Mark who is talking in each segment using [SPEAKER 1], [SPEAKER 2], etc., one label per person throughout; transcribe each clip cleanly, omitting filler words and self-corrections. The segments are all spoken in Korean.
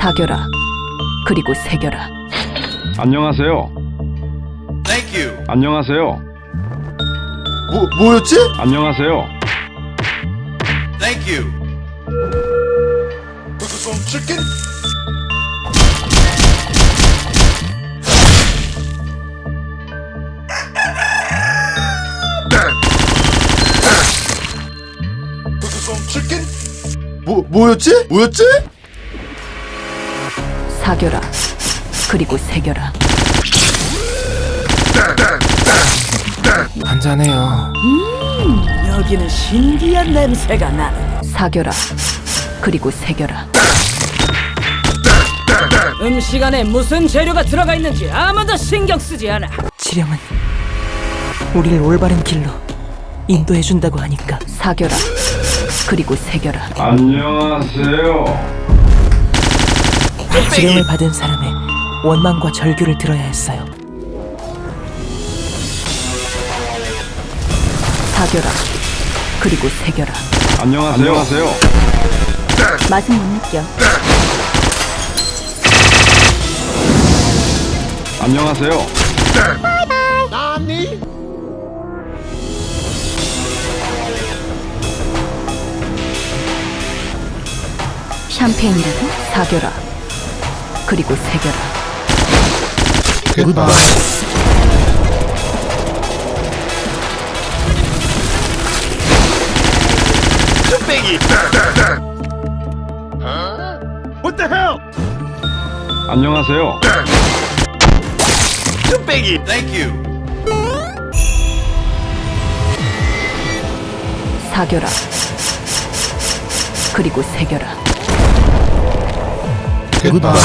[SPEAKER 1] 사겨라. 그리고 새겨라.
[SPEAKER 2] 안녕하세요.
[SPEAKER 3] Thank you.
[SPEAKER 2] 안녕하세요.
[SPEAKER 4] 뭐였지?
[SPEAKER 2] 안녕하세요.
[SPEAKER 3] Thank you.
[SPEAKER 4] some chicken? some chicken? 뭐였지?
[SPEAKER 1] 사겨라. 그리고 새겨라.
[SPEAKER 5] 한잔해요.
[SPEAKER 6] 여기는 신기한 냄새가 나네.
[SPEAKER 1] 사겨라. 그리고 새겨라.
[SPEAKER 6] 음식 안에 무슨 재료가 들어가 있는지 아무도 신경 쓰지 않아.
[SPEAKER 7] 지령은 우리를 올바른 길로 인도해준다고 하니까.
[SPEAKER 1] 사겨라. 그리고 새겨라.
[SPEAKER 2] 안녕하세요.
[SPEAKER 7] 지령을 받은 사람의 원망과 절규를 들어야 했어요.
[SPEAKER 1] 사겨라. 그리고 새겨라.
[SPEAKER 2] 안녕하세요. 안녕하세요.
[SPEAKER 1] 맛은 못 느껴.
[SPEAKER 2] 안녕하세요.
[SPEAKER 1] 샴페인이라도 사겨라. 그리고 새겨라.
[SPEAKER 4] 굿바이.
[SPEAKER 2] 안녕하세요.
[SPEAKER 3] Thank you.
[SPEAKER 1] 사겨라. 그리고 새겨라.
[SPEAKER 4] 굿바이.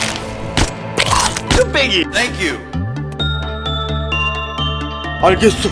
[SPEAKER 3] Thank you.
[SPEAKER 4] 알겠어.